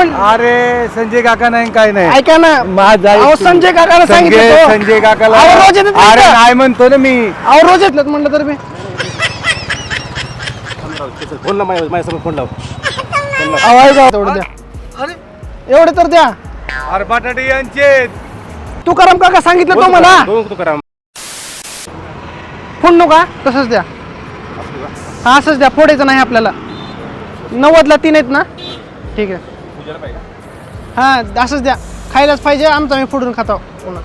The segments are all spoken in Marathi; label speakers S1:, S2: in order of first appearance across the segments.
S1: लिहून
S2: अरे संजय काका नाही काय नाही
S1: ऐका ना
S2: माझा
S1: अहो संजय काकाला सांगितलं
S2: संजय काकाला
S1: अहो रोज येतात
S2: अरे
S1: इथं.
S2: नाही म्हणतो ना मी.
S1: अहो रोज येतलं म्हणलं तर मी
S3: फोन लाव माझ्यासमोर फोन लाव.
S1: अहो ऐका तेवढं द्या
S2: अरे
S1: एवढे तर द्या.
S2: अरे बटाटे यांचे
S1: तुकाराम काका सांगितलं तो मला
S3: तू करा
S1: फोन नका तसंच द्या. हा असंच द्या फोडायचं नाही आपल्याला. 90ला 3 आहेत ना ठीक आहे. हा असंच द्या खायलाच पाहिजे आमचं आम्ही फोडून खातो पुन्हा.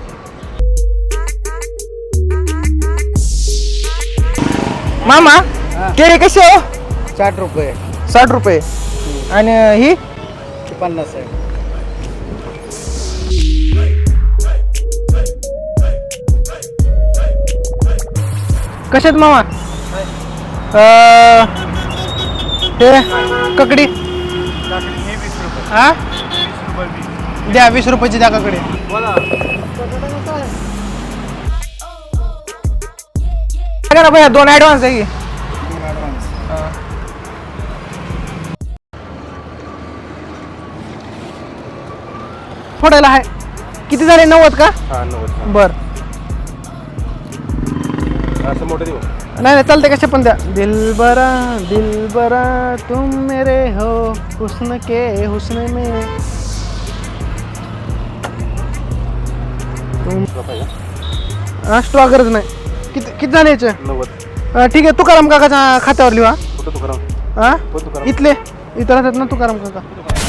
S1: मामा केळी कशी हो?
S2: 60 रुपये
S1: 60 रुपये आणि ही
S2: 50 आहे.
S1: कशात मामा ते ककडी हा द्या 20 रुपयाची द्या ककडी. काय करा भैया 2 ॲडव्हान्स आहे की. फोडायला आहे किती झाले 90 का?
S3: हा 90
S1: बर
S3: असं मोठं देऊ.
S1: नाही चालते कसे पण द्या. दिलबरा तुम मेरे हो हुस्न के हुस्न में तुम स्टॉक गरज नाही. किती झाले याचे?
S3: 90.
S1: ठीक आहे तुकाराम काकाच्या खात्यावर लिहा.
S3: कुठं तू करा
S1: हा
S3: कोण तू करा
S1: इथले इथं राहतात ना तुकाराम काका.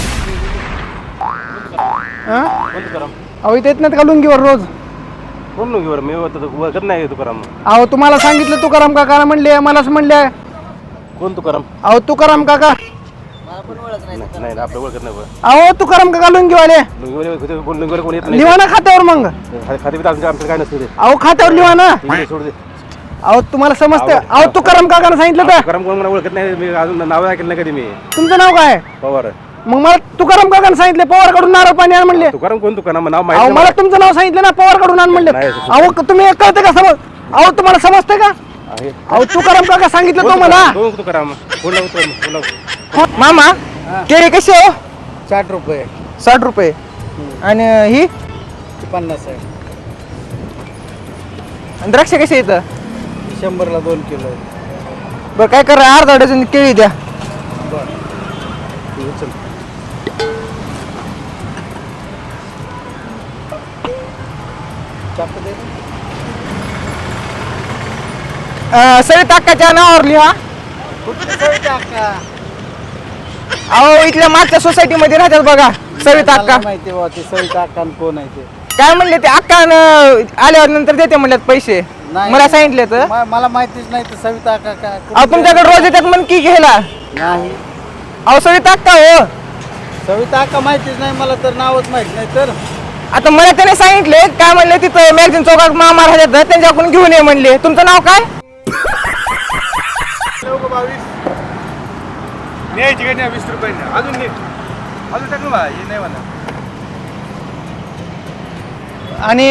S1: हा
S3: कोण तू करा
S1: अहो इथे येत नाहीत का लुंगीवर रोज?
S3: कोण नको बरं मी वगैरे नाही तू करा.
S1: अहो तुम्हाला सांगितलं तुकाराम काका म्हणले मलाच म्हणले.
S3: कोण तू करा
S1: अहो तुकाराम काका
S3: नाही आपलं ओळखत नाही बरं.
S1: अहो तुकाराम काका लुंगीवाले
S3: लुंगीवर कोण येत नाही.
S1: लिहा ना खात्यावर मग.
S3: खाते आमचं काय नसतं ते.
S1: अहो खात्यावर लिहा ना.
S3: ठीक आहे, सोड दे.
S1: अहो तुम्हाला समजतं. अहो तुकाराम काकानं सांगितलं तर
S3: तुकाराम कोण मला ओळखत नाही. मी अजून नाव ऐकलं नाही कधी मी.
S1: तुमचं नाव काय?
S3: पवार.
S1: मग मला तुकाराम काकानं सांगितलं पवार कडून नारळ पाणी आण म्हणले.
S3: तुकाराम कोण तू करा नाव
S1: अहो
S3: माहिती
S1: मला तुमचं नाव सांगितलं ना पवार कडून आण म्हणले.
S3: नाही,
S1: अहो तुम्ही कळते का समज? अहो तुम्हाला समजतंय का?
S3: आहे.
S1: अहो तुकाराम काका सांगितलं तो मला.
S3: कोण तू करा फोन लाव फोन लाव.
S1: मामा केळी कशी हो?
S2: 60 रुपये
S1: 60 रुपये आणि ही
S2: 50 आहे.
S1: आणि द्राक्ष कशी येतं?
S2: 100ला 2 किलो आहे.
S1: बरं काय करा अर्धा डझन केळी द्या.
S3: चल
S1: सविता अक्काच्या नावावर लिहा. अहो इथल्या मागच्या सोसायटी मध्ये राहतात बघा सविता अक्का.
S2: माहिती बा ते सविता अक्का कोण आहे ते?
S1: काय म्हणले ते अक्का आल्यावर नंतर देते म्हणल्यात पैसे.
S2: नाही.
S1: मला सांगितले तर.
S2: मला माहितीच नाही ते सविता अक्का काय.
S1: अहो तुमच्याकडे रोज येतात म्हण की घ्यायला.
S2: नाही
S1: अहो सविता अक्का हो.
S2: सविता अक्का माहितीच नाही मला तर नावच माहित नाही तर.
S1: आता मला त्याने सांगितले काय म्हणले तिथं मॅगझिन चौकात मामा राहतात त्यांच्याकडून घेऊन ये म्हणले. तुमचं नाव काय?
S2: न्यायची का नाही 20 रुपये अजून नाही अजून टाकलं बा हे नाही म्हणा.
S1: आणि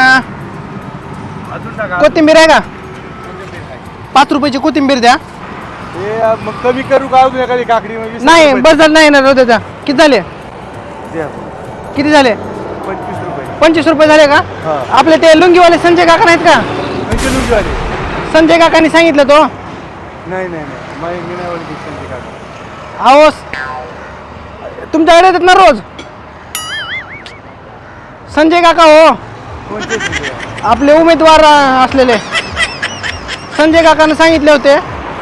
S2: अजून टाका.
S1: कोथिंबीर आहे का? 5 रुपयाची कोथिंबीर द्या.
S2: हे मग कमी करू का अजून एखादी काकडी मग 20
S1: नाही
S2: रुपये
S1: बस झालं नाही ना रोज द्या. किती झाले?
S2: द्या.
S1: किती झाले?
S2: 25 रुपये
S1: 25 रुपये झाले का?
S2: हा.
S1: आपले ते लुंगीवाले संजय काका नाहीत का?
S2: म्हणजे लुंगी आले.
S1: संजय काकांनी सांगितलं तो.
S2: नाही नाही नाही मी नाही ओळखी संजय काका.
S1: अहो तुमच्याकडे येतात ना रोज संजय काका हो.
S2: कोणते संजय काका?
S1: आपले उमेदवार असलेले संजय काकांना सांगितले होते.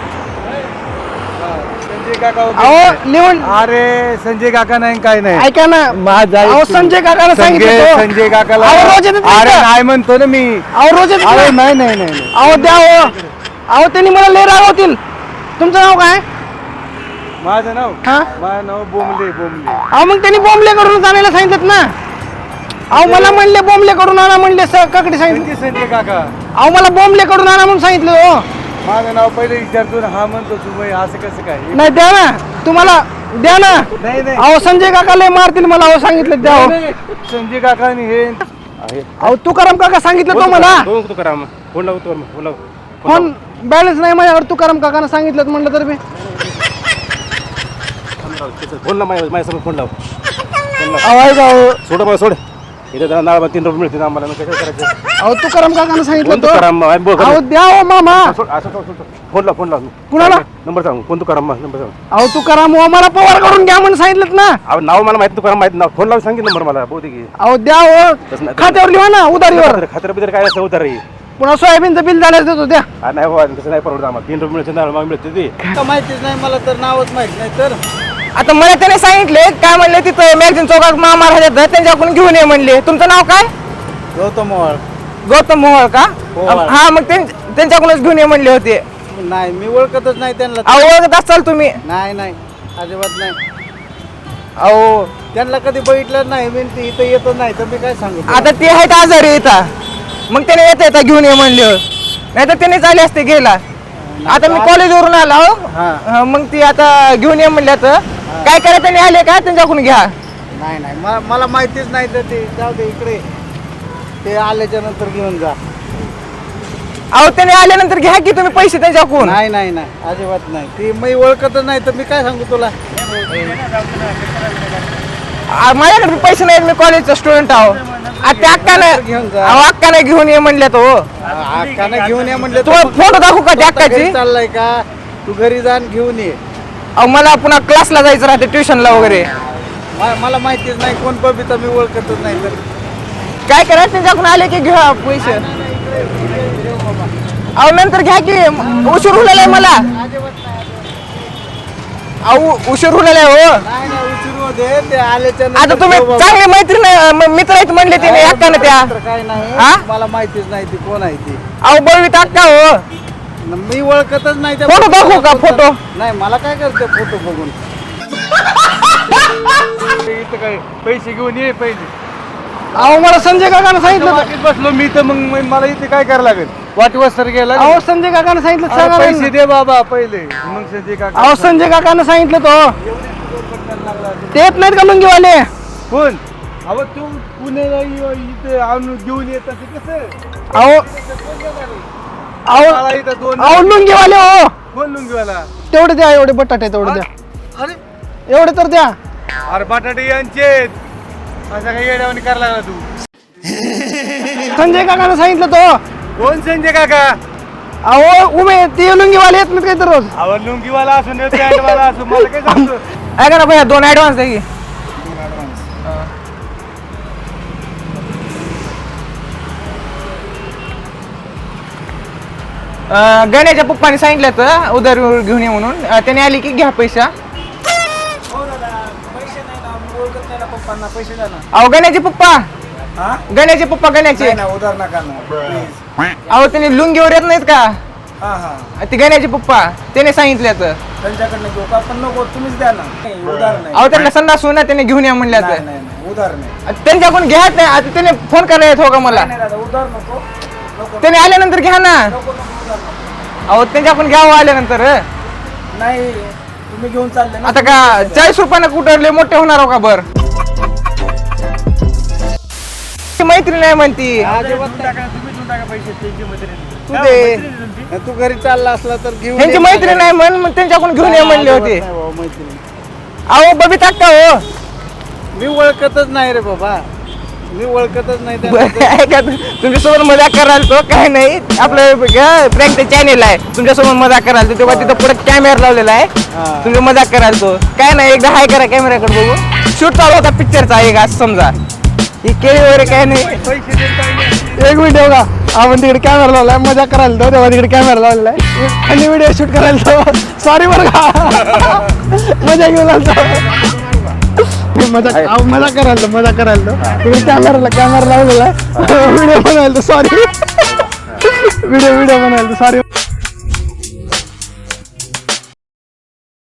S2: संजय काका
S1: अहो लिहून
S2: अरे संजय काका नाही काय नाही.
S1: ऐका ना
S2: माझा
S1: अहो संजय काकांना सांगितलं तो.
S2: संजय काकाला
S1: अहो रोज येतात
S2: अरे
S1: इथं.
S2: नाही म्हणतो ना मी.
S1: अहो रोज येतात
S2: अरे
S1: ना.
S2: नाही नाही नाही
S1: अहो द्या हो. अहो त्यांनी मला लय रागवतील. तुमचं नाव काय?
S2: माझं नाव
S1: हा
S2: माझं नाव बोंबले बोंबले.
S1: अहो मग त्यांनी बॉम्बले करून आणायला सांगितलं ना. अहो मला म्हणले बॉम्बले करून आणा म्हणले काकडे सांगितलं.
S2: कोणते संजय काका?
S1: अहो मला बॉम्बले करून आणा म्हणून सांगितलं हो.
S2: माझं नाव पहिले विचारतो ना हा म्हणतो तू बाई असं कसं काय?
S1: नाही द्या ना तुम्हाला द्या ना.
S2: नाही नाही
S1: अहो संजय काका लय मारतील मला. अहो सांगितलं द्या हो.
S2: संजय काकाने हे
S3: आहे.
S1: अहो तुकाराम काका सांगितलं तो मला.
S3: कोण तू करा फोन लाव फोन लाव.
S1: फोन बॅलन्स नाही माझ्यावर. तुकाराम काकानं सांगितलं म्हणलं तर मी
S3: फोन लाव माझ्यासमोर फोन लाव.
S1: अहो ऐका अहो.
S3: सोड मला सोड इथे त्याला नाव 3 रुपये मिळते आम्हाला मग कसं करायचं
S1: अहो तुकाराम काकानं सांगितलं
S3: कोण
S1: तो
S3: तुकाराम
S1: अहो द्या हो मामा
S3: सोड असं सोड फोन लाव
S1: कुणाला?
S3: नंबर सांग कोण तुकाराम नंबर सांग
S1: अहो तुकाराम हो मला पवार करून घ्या म्हणून सांगितलं ना
S3: अहो नाव मला माहिती तुकाराम माहिती नाव फोन लावून सांगितलं नंबर मला बहुतेक
S1: अहो द्या हो
S3: तसं नाही.
S1: खात्यावर लिहा ना उधारीवर
S3: खात्र बितर काय असं उतर रे
S1: पुन्हा सोयाबीनचं बिल झाल्यास देतो द्या
S3: नाही बाबा तसं नाही परवडत आम्हाला 3 रुपये मिळते नाव मग मिळते ते
S2: माहितीच नाही मला तर नावच माहित नाही तर
S4: आता मला त्याने सांगितले काय म्हणले तिथं मॅगझिन चौकात मामा राहतात त्यांच्याकडून घेऊन ये म्हणले. तुमचं नाव काय?
S2: गौतम मोहोळ.
S4: गौतम मोहोळ का?
S2: मोहोळ.
S4: हा मग त्यांच्याकडूनच घेऊन ये म्हणले होते.
S2: नाही मी ओळखतच नाही त्यांना
S4: अहो ओळखत असाल तुम्ही.
S2: नाही अजिबात नाही
S4: अहो
S2: त्यांना कधी बघितलं नाही मी ते इथं येतच नाही तर मी काय सांगू
S4: आता ते आहेत आजारी इथं मग त्याने येता घेऊन ये म्हणले नाही तर त्याने चाले असते गेला. आता मी कॉलेजवरून आलो
S2: हा.
S4: मग ती आता घेऊन ये म्हणल्या तर काय करा त्यांनी आले का त्यांच्याकडून घ्या.
S2: नाही मला माहितीच नाही तर ते जाऊ दे इकडे ते आल्याच्या नंतर घेऊन जा.
S4: अहो त्याने आल्यानंतर घ्या की तुम्ही पैसे त्यांच्याकडून.
S2: नाही अजिबात नाही ती मी ओळखतच नाही तर मी काय सांगू तुला
S4: माझ्याकडे पैसे नाहीत मी कॉलेजचा स्टुडंट आहो. त्या अक्कानं
S2: घेऊन जा.
S4: अहो अक्काने घेऊन ये म्हणल्या तो.
S2: अक्कानं घेऊन ये म्हणले
S4: तुम्हाला फोटो दाखवू का त्या अक्काची?
S2: चाललाय का तू घरी जा आणि घेऊन ये
S4: अहो मला पुन्हा क्लासला जायचं राहते ट्युशनला वगैरे.
S2: मला माहितीच नाही कोण बबिता मी ओळखतच नाही तर
S4: काय करा त्यांच्याकडून आले की घ्या पैसे. अहो नंतर घ्या की उशीर होलेला आहे मला. अहो उशीर होलेला आहे हो.
S2: नाही उशीर होऊ दे ते आल्याच्या
S4: आता
S2: नंतर
S4: तुम्ही
S2: घेऊ बाबा.
S4: चांगले मैत्री मित्र आहेत म्हणले तिने अक्कानं त्या.
S2: तर काय
S4: हा?
S2: नाही मला माहितीच नाही ती कोण आहे ती
S4: अहो बळवीत अक्का हो.
S2: मी ओळखतच नाही त्या
S4: फोटो दाखवू का, फोटो?
S2: नाही मला काय करते फोटो बघून इथं काय पैसे घेऊन ये पहिले
S1: अहो मला संजय काकानं सांगितलं होतं.
S2: वाटीत बसलो मी तर मग मला इथे काय करायला लागेल वाटीवर सर गेला
S1: अहो संजय काकानं सांगितलं
S2: अरे
S1: सांगा
S2: पैसे
S1: ना.
S2: दे बाबा पहिले मग संजय काका
S1: अहो संजय काकानं सांगितलं तो ते येत नाहीत का लुंगीवाले
S2: कोण अहो तू पुण्याला इथे आणून घेऊन येत असे कसं
S1: अहो
S2: मला
S1: अहो
S2: इथं दोन
S1: अहो लुंगीवाले हो
S2: कोण लुंगीवाला
S1: तेवढे द्या एवढे बटाटे तेवढे द्या
S2: अरे
S1: एवढे तर द्या
S2: अरे बटाटे यांचे असं काही येड्यावानी करायला लागला तू
S1: संजय काकानं सांगितलं तो
S2: कोण संजय काका
S1: अहो उमे ते लुंगीवाले येत नाहीत काही तर रोज
S2: अहो लुंगीवाला असून पॅन्टवाला असून मला काय सांगतो
S4: ऐका ना भैया 2 ऍडव्हान्स द्या की. गण्याच्या पप्पाने सांगितलं तर उधार घेऊन ये म्हणून. त्याने आली की घ्या पैसा.
S2: पैसे द्या ना
S4: अहो गण्याचे पप्पा
S2: हा
S4: गण्याचे पप्पा गण्याचे
S2: ना उधार नका ना प्लीज
S4: अहो त्याने लुंगीवर येत नाहीत का
S2: हा हा
S4: ते गण्याचे पप्पा त्याने सांगितलं तर.
S2: त्यांच्याकडनं घेऊ का पण नको तुम्हीच द्या ना उधार नाही
S4: अहो त्यांना संडास होईना त्याने घेऊन या म्हणल्या तर.
S2: नाही उधार नाही
S4: त्यांच्याकडून घ्या नाही. आता त्याने फोन करायला येत हो का मला.
S2: नाही दादा उधार नको नको
S4: त्याने आल्यानंतर घ्या ना.
S2: नको उधार नको
S4: अहो त्यांच्याकडून घ्यावं आल्यानंतर.
S2: नाही तुम्ही घेऊन चालले ना
S4: आता का 40 रुपयानं कुठं लय मोठे होणार हो का बर. मैत्री नाही म्हणती.
S2: अजिबात टाका तुम्ही देऊन टाका पैसे त्यांची मैत्रीण
S4: तू दे.
S2: तू घरी चालला असला तर घेऊन
S4: त्यांची
S2: ये.
S4: मैत्री नाही म्हण मग त्यांच्याकडून घेऊन ये म्हणले होते.
S2: नाही बाबा, मैत्रीण.
S4: अहो बबीता का हो.
S2: मी ओळखतच नाही रे बाबा मी ओळखतच नाही
S4: बरं,
S2: त्यांना.
S4: ऐका तुमच्यासोबत मजाक करायला तो काय नाही आपलं प्रँक चॅनेल आहे तुमच्यासोबत मजाक करायला तो तेव्हा तिथं पुढे कॅमेरा लावलेला आहे.
S2: हा.
S4: तुम्ही मजाक करायला तो काय नाही एकदा हाय करा कॅमेराकडे बघू. शूट चालू होता पिक्चरचा एक असं समजा ही केळी वगैरे काय नाही.
S2: पैसे देत नाही.
S1: एक व्हिडिओ का आपण तिकडे कॅमेरा लावलाय मजा करायला तो तेव्हा तिकडे कॅमेरा लावलेला आहे आणि व्हिडिओ शूट करायला तो सॉरी बरं का मजा घेऊन आलतो मजा करायला तो तिकडे कॅमेरा लावलेला आहे व्हिडिओ बनवायला तो सॉरी व्हिडिओ बनवायला तो सॉरी